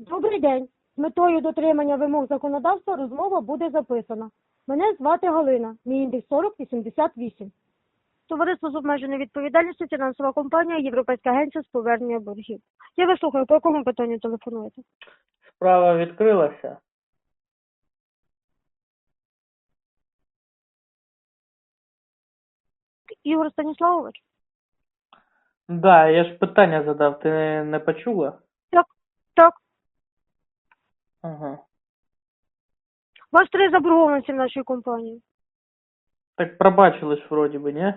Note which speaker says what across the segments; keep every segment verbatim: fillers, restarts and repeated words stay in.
Speaker 1: Добрий день. З метою дотримання вимог законодавства розмова буде записана. Мене звати Галина. Мій індекс сорок вісімдесят вісім. Товариство з обмеженою відповідальністю, фінансова компанія, Європейська агенція з повернення боргів. Я вас слухаю, по якому питанню телефонуєте?
Speaker 2: Справа відкрилася.
Speaker 1: Ігор Станіславович?
Speaker 2: Да, я ж питання задав, ти не, не почула?
Speaker 1: Так, так.
Speaker 2: Ага.
Speaker 1: У вас три заборгованості в нашій компанії.
Speaker 2: Так пробачили ж вроді би, ні?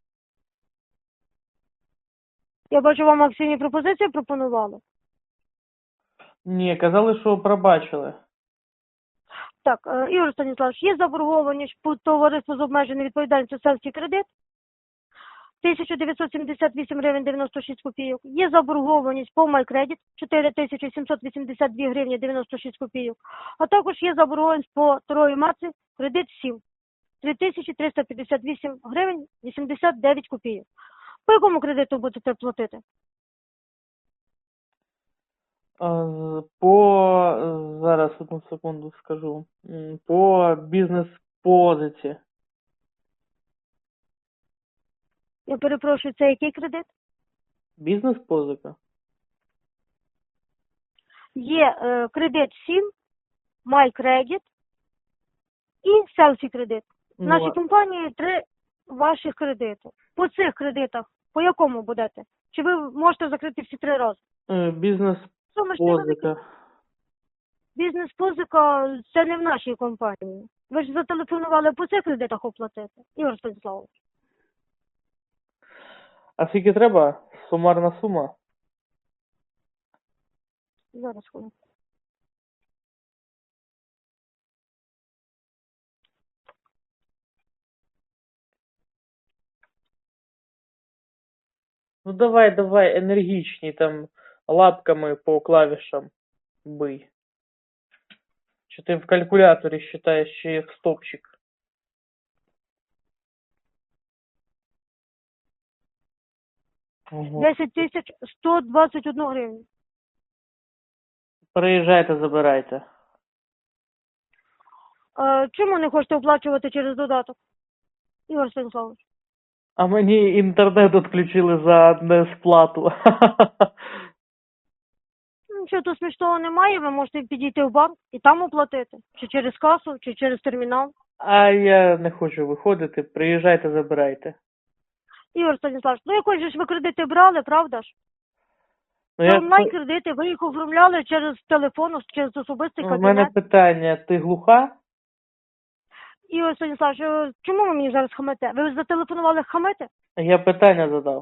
Speaker 1: Я бачу, вам акційні пропозиції пропонували.
Speaker 2: Ні, казали, що пробачили.
Speaker 1: Так, е, Ігор Станіславович, є заборгованість по товариству з обмеженою відповідальністю «Селфі Кредит» тисяча дев'ятсот сімдесят вісім гривень дев'яносто шість копійок. Є заборгованість по MyCredit чотири тисячі сімсот вісімдесят дві гривні дев'яносто шість копійок. А також є заборгованість по Трої Марці кредит сім три тисячі триста п'ятдесят вісім гривень вісімдесят дев'ять копійок. По якому кредиту будете платити?
Speaker 2: А, з- По... Зараз одну секунду скажу. М, По бізнес-позиці.
Speaker 1: Я перепрошую, це який кредит?
Speaker 2: Бізнес-позика?
Speaker 1: Є е, кредит сім, MyCredit і Селфі Кредит. В
Speaker 2: Ну,
Speaker 1: нашій
Speaker 2: а-
Speaker 1: компанії три ваших кредити. По цих кредитах, по якому будете? Чи ви можете закрити всі три рази?
Speaker 2: е,
Speaker 1: Суми ж невеликі.
Speaker 2: Бізнес-позика.
Speaker 1: Бізнес-позика – це не в нашій компанії. Ви ж зателефонували по цих кредитах оплатити, Ігор Станіславович.
Speaker 2: А скільки треба? Сумарна сума?
Speaker 1: Зараз хвилинку.
Speaker 2: Ну давай, давай, енергічні, там лапками по клавішам бий. Чи ти в калькуляторі считаєш, чи як стопчик? Ого.
Speaker 1: десять тисяч сто двадцять одна гривня.
Speaker 2: Приїжджайте, забирайте.
Speaker 1: Е, чому не хочете оплачувати через додаток, Ігор Станіславович?
Speaker 2: А мені інтернет відключили за несплату.
Speaker 1: Нічого тут смішного немає, ви можете підійти в банк і там оплатити. Чи через касу, чи через термінал.
Speaker 2: А я не хочу виходити. Приїжджайте, забирайте.
Speaker 1: Ігор Станіславович, ну якось же ж ви кредити брали, правда ж?
Speaker 2: Ну,
Speaker 1: Це
Speaker 2: я...
Speaker 1: онлайн-кредити, ви їх оформляли через телефон, через особистий
Speaker 2: У
Speaker 1: кабінет.
Speaker 2: мене питання, ти глуха?
Speaker 1: Ігор Станіславович, е, чому ви мені зараз хамите? Ви зателефонували хамити?
Speaker 2: Я питання задав.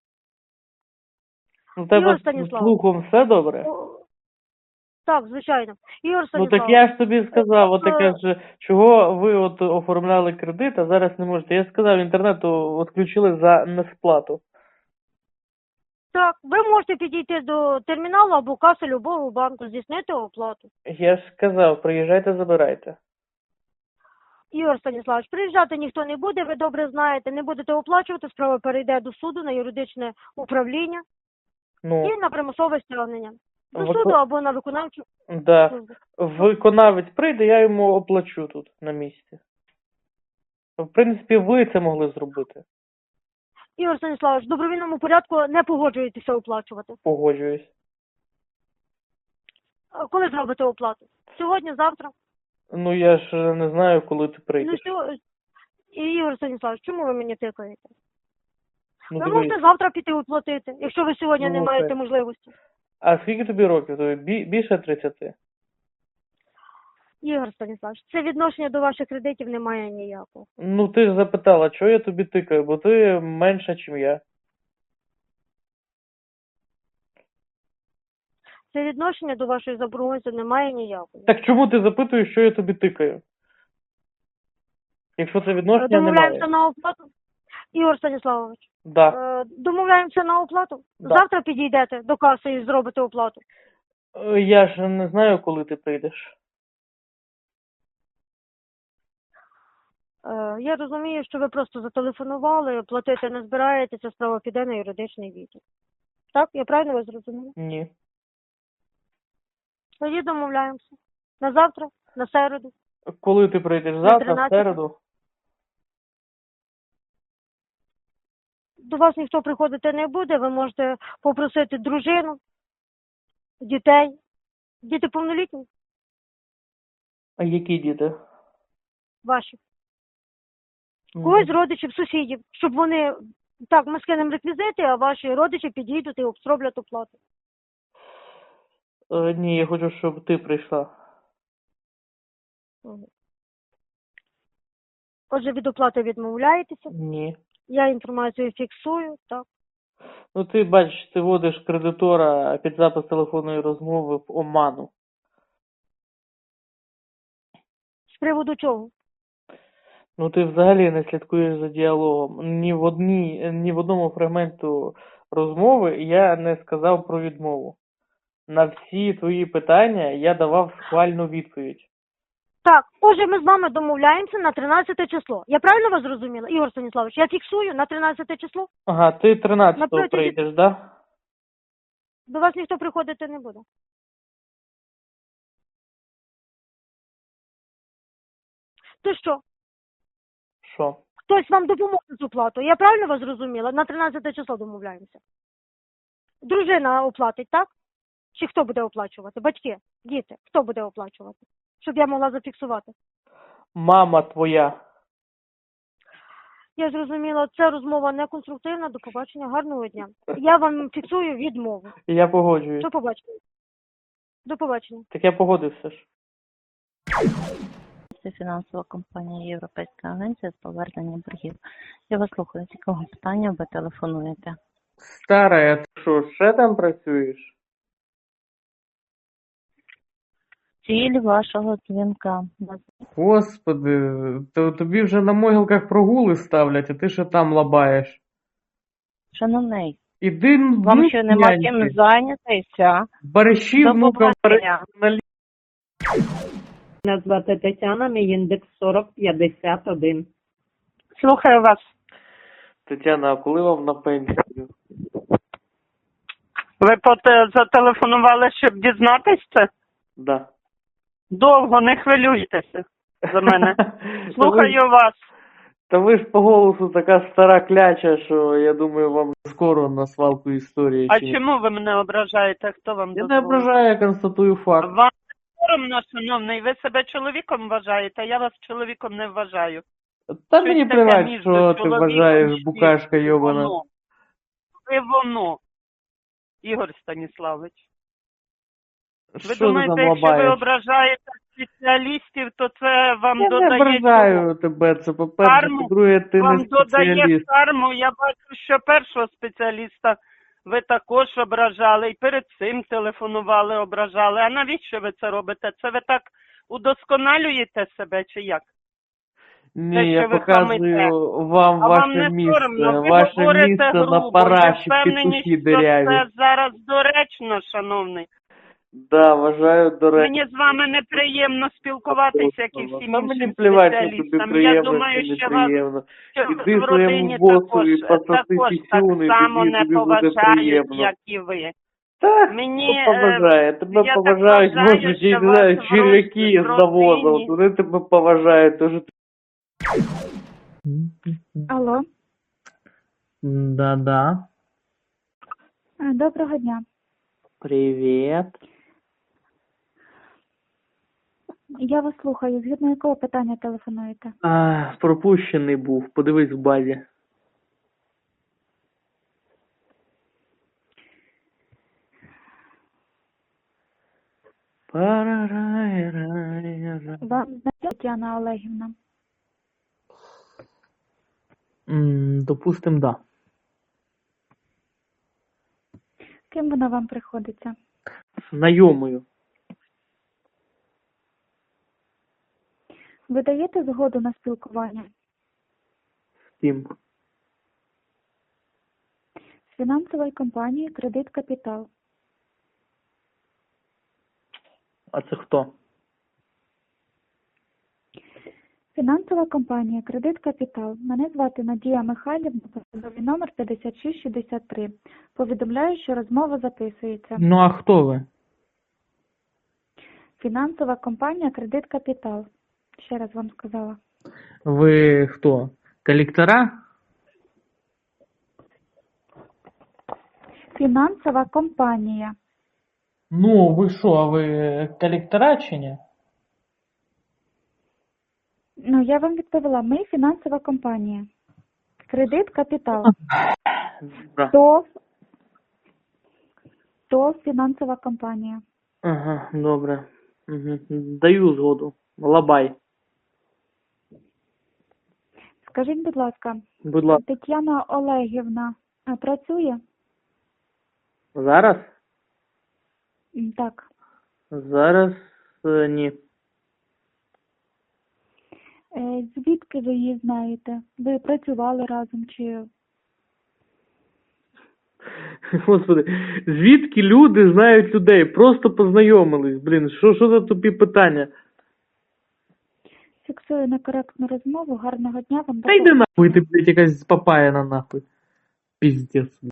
Speaker 2: У тебе
Speaker 1: Ігор
Speaker 2: з
Speaker 1: Станіславович.
Speaker 2: слухом все добре?
Speaker 1: О, так, звичайно. Ігор
Speaker 2: Ну
Speaker 1: Станіславович.
Speaker 2: так я ж тобі сказав, от ти
Speaker 1: Е,
Speaker 2: кажеш, чого ви от оформляли кредит, а зараз не можете. Я сказав, інтернету відключили за несплату.
Speaker 1: Так, ви можете підійти до терміналу або каси любого банку, здійснити оплату.
Speaker 2: Я ж сказав, приїжджайте, забирайте.
Speaker 1: Ігор Станіславович, приїжджати ніхто не буде, ви добре знаєте, не будете оплачувати, справа перейде до суду на юридичне управління
Speaker 2: Ну,
Speaker 1: і на примусове стягнення. До
Speaker 2: Вико-
Speaker 1: суду або на виконавчу
Speaker 2: да.
Speaker 1: службу.
Speaker 2: Виконавець прийде, я йому оплачу тут на місці. В принципі, ви це могли зробити.
Speaker 1: Ігор Станіславович, в добровільному порядку не погоджуєтеся оплачувати.
Speaker 2: Погоджуюсь.
Speaker 1: А коли зробите оплату? Сьогодні, завтра?
Speaker 2: Ну я ж не знаю, коли ти
Speaker 1: Ну,
Speaker 2: прийдеш.
Speaker 1: сьо- І, Ігор Станіславович, чому ви мені тикаєте?
Speaker 2: Ну,
Speaker 1: Ви
Speaker 2: дивись.
Speaker 1: можете завтра піти оплатити, якщо ви сьогодні
Speaker 2: Ну,
Speaker 1: не
Speaker 2: окей.
Speaker 1: маєте можливості.
Speaker 2: А скільки тобі років? Тобі бі- більше тридцяти?
Speaker 1: Ігор Станіславович, це відношення до ваших кредитів немає ніякого.
Speaker 2: Ну ти ж запитала, чого я тобі тикаю, бо ти менша, ніж я.
Speaker 1: Це відношення до вашої заборгованості немає ніякого.
Speaker 2: Так чому ти запитуєш, що я тобі тикаю? Якщо це відношення
Speaker 1: Домовляємося
Speaker 2: немає.
Speaker 1: на оплату? Ігор Станіславович,
Speaker 2: Да.
Speaker 1: е, домовляємося на оплату?
Speaker 2: Да.
Speaker 1: Завтра підійдете до каси і зробите оплату.
Speaker 2: Е, Я ж не знаю, коли ти прийдеш.
Speaker 1: Е, Я розумію, що ви просто зателефонували, платити не збираєтеся, справа піде на юридичний відділ. Так, я правильно вас зрозуміла?
Speaker 2: Ні.
Speaker 1: Тоді домовляємося. На завтра, на середу.
Speaker 2: Коли ти прийдеш? Завтра, в
Speaker 1: тринадцяте.
Speaker 2: середу?
Speaker 1: До вас ніхто приходити не буде, ви можете попросити дружину, дітей. Діти повнолітні
Speaker 2: А які діти?
Speaker 1: ваші.
Speaker 2: Мгм.
Speaker 1: Когось з родичів, сусідів, щоб вони, так, ми скинемо реквізити, а ваші родичі підійдуть і обстроблять оплату.
Speaker 2: Е, ні, я хочу, щоб ти прийшла.
Speaker 1: Отже, від оплати відмовляєтеся,
Speaker 2: Ні.
Speaker 1: я інформацію фіксую, так.
Speaker 2: Ну ти бачиш, ти вводиш кредитора під запис телефонної розмови в оману.
Speaker 1: З приводу чого?
Speaker 2: Ну ти взагалі не слідкуєш за діалогом. Ні в одній, ні в одному фрагменту розмови я не сказав про відмову. На всі твої питання я давав схвальну відповідь.
Speaker 1: Так, отже, ми з вами домовляємося на тринадцяте число. Я правильно вас зрозуміла, Ігор Станіславович? Я фіксую на тринадцяте число.
Speaker 2: Ага, ти тринадцятого
Speaker 1: Напроти-
Speaker 2: прийдеш, да?
Speaker 1: До вас ніхто приходити не буде. То що?
Speaker 2: Що?
Speaker 1: Хтось вам допоможе з оплатою. Я правильно вас зрозуміла? На тринадцяте число домовляємося. Дружина оплатить, так? Чи хто буде оплачувати? Батьки, діти, хто буде оплачувати? Щоб я могла зафіксувати.
Speaker 2: Мама твоя.
Speaker 1: Я зрозуміла, це розмова не конструктивна. До побачення, гарного дня. Я вам фіксую відмову.
Speaker 2: Я погоджуюсь.
Speaker 1: До побачення. До побачення.
Speaker 2: Так я погодився ж.
Speaker 3: Це фінансова компанія Європейська агенція з повернення боргів. Я вас слухаю, з якого питання ви телефонуєте?
Speaker 2: Стара, ти що, ще там працюєш?
Speaker 3: Ціль вашого дзвінка.
Speaker 2: Господи, то тобі вже на могилках прогули ставлять, а ти ще там лабаєш.
Speaker 3: Шановний,
Speaker 2: Іди,
Speaker 3: вам
Speaker 2: ну,
Speaker 3: ще нема
Speaker 2: няньки.
Speaker 3: чим зайнятися.
Speaker 2: Бариші
Speaker 3: До
Speaker 2: внукам
Speaker 3: побачення.
Speaker 2: на
Speaker 4: Мене звати Тетяна, мій індекс сорок п'ятдесят один.
Speaker 3: Слухаю вас.
Speaker 2: Тетяна, а коли вам на пенсію?
Speaker 5: Ви поте- зателефонували, щоб дізнатись це?
Speaker 2: Да.
Speaker 5: Довго, не хвилюйтеся за мене.
Speaker 2: Та ви,
Speaker 5: Слухаю вас.
Speaker 2: та ви ж по голосу така стара кляча, що я думаю, вам скоро на свалку історії.
Speaker 5: А
Speaker 2: чи ні?
Speaker 5: чому ви мене ображаєте? Хто вам
Speaker 2: Я не
Speaker 5: дозволив?
Speaker 2: ображаю, я констатую факт.
Speaker 5: Вам не соромно, шановний, ви себе чоловіком вважаєте, я вас чоловіком не вважаю.
Speaker 2: Та
Speaker 5: Щось
Speaker 2: мені
Speaker 5: таке
Speaker 2: плевать,
Speaker 5: між
Speaker 2: що ти
Speaker 5: чоловіком
Speaker 2: вважаєш,
Speaker 5: і
Speaker 2: букашка йобана.
Speaker 5: Воно. Ви воно. Ігор Станіславович. Ви
Speaker 2: Що ти
Speaker 5: думаєте,
Speaker 2: там
Speaker 5: якщо ви
Speaker 2: лабаєш?
Speaker 5: ображаєте спеціалістів, то це вам
Speaker 2: Я не
Speaker 5: додає
Speaker 2: ображаю тебе, це по-перше,
Speaker 5: Карму
Speaker 2: по-друге, ти
Speaker 5: вам
Speaker 2: не
Speaker 5: додає
Speaker 2: спеціаліст.
Speaker 5: карму. Я бачу, що першого спеціаліста ви також ображали, і перед цим телефонували, ображали. А навіщо ви це робите? Це ви так удосконалюєте себе чи як?
Speaker 2: Ні,
Speaker 5: те,
Speaker 2: я
Speaker 5: що ви
Speaker 2: показую вам
Speaker 5: А
Speaker 2: ваше
Speaker 5: вам не
Speaker 2: місце.
Speaker 5: соромно? Ви
Speaker 2: Ваше
Speaker 5: говорите
Speaker 2: місце на
Speaker 5: грубо. Ви
Speaker 2: параші,
Speaker 5: впевнені,
Speaker 2: петухи
Speaker 5: що
Speaker 2: диряві.
Speaker 5: це зараз доречно, шановний.
Speaker 2: Да, вважаю, до речі.
Speaker 5: Мені з вами неприємно спілкуватися, як і всім
Speaker 2: Та мені
Speaker 5: іншим
Speaker 2: плевать, що тобі
Speaker 5: спеціалістам. Я
Speaker 2: приємно,
Speaker 5: думаю,
Speaker 2: чи
Speaker 5: що вас
Speaker 2: неприємно.
Speaker 5: що
Speaker 2: Іди
Speaker 5: в
Speaker 2: своєму
Speaker 5: родині
Speaker 2: босу
Speaker 5: також,
Speaker 2: і пососи
Speaker 5: також
Speaker 2: пісюни,
Speaker 5: так само
Speaker 2: тоді
Speaker 5: не
Speaker 2: тобі буде
Speaker 5: поважають,
Speaker 2: приємно.
Speaker 5: як і ви.
Speaker 2: Так,
Speaker 5: Мені,
Speaker 2: хто поважає?
Speaker 5: е,
Speaker 2: Тебе
Speaker 5: я так
Speaker 2: поважають,
Speaker 5: вважаю,
Speaker 2: може,
Speaker 5: що
Speaker 2: я не
Speaker 5: вас
Speaker 2: знаю,
Speaker 5: в
Speaker 2: черв'яки
Speaker 5: роз-
Speaker 2: з навозом.
Speaker 5: родині-
Speaker 2: Вони тебе поважають, тож ти...
Speaker 6: Алло,
Speaker 2: Да-да.
Speaker 6: Е, доброго дня.
Speaker 2: Привіт.
Speaker 6: Я вас слухаю. Згідно якого питання телефонуєте?
Speaker 2: А, пропущений був, подивись в базі. Парарайрайра.
Speaker 6: Вам знайома Тетяна Олегівна?
Speaker 2: М, Допустим, да.
Speaker 6: Ким вона вам приходиться?
Speaker 2: Знайомою.
Speaker 6: Ви даєте згоду на спілкування
Speaker 2: З ким?
Speaker 6: з фінансової компанії «Кредит Капітал»?
Speaker 2: А це хто?
Speaker 6: Фінансова компанія «Кредит Капітал». Мене звати Надія Михайлівна, посадовий номер п'ятдесят шість шістдесят три. Повідомляю, що розмова записується.
Speaker 2: Ну а хто ви?
Speaker 6: Фінансова компанія Кредит Капітал. Ще раз вам сказала.
Speaker 2: Ви хто? Колектора?
Speaker 6: Фінансова компанія.
Speaker 2: Ну, ви що, а ви колектора чи ні?
Speaker 6: Ну, я вам відповіла. Ми фінансова компанія. Кредит Капітал.
Speaker 2: Добре.
Speaker 6: То, то фінансова компанія.
Speaker 2: Ага, добре. Угу. Даю згоду. Лабай.
Speaker 6: Скажіть, будь ласка,
Speaker 2: Будь ласка.
Speaker 6: Тетяна Олегівна а, працює?
Speaker 2: Зараз?
Speaker 6: М, Так.
Speaker 2: Зараз е, ні.
Speaker 6: Е, Звідки ви її знаєте? Ви працювали разом чи...
Speaker 2: Господи, звідки люди знають людей? Просто познайомились, блін, що, що за тупі питання?
Speaker 6: Фіксую некоректну розмову. Гарного дня вам.
Speaker 2: Та йди нахуй, ти, блядь, якась папаяна нахуй. Піздець, блядь.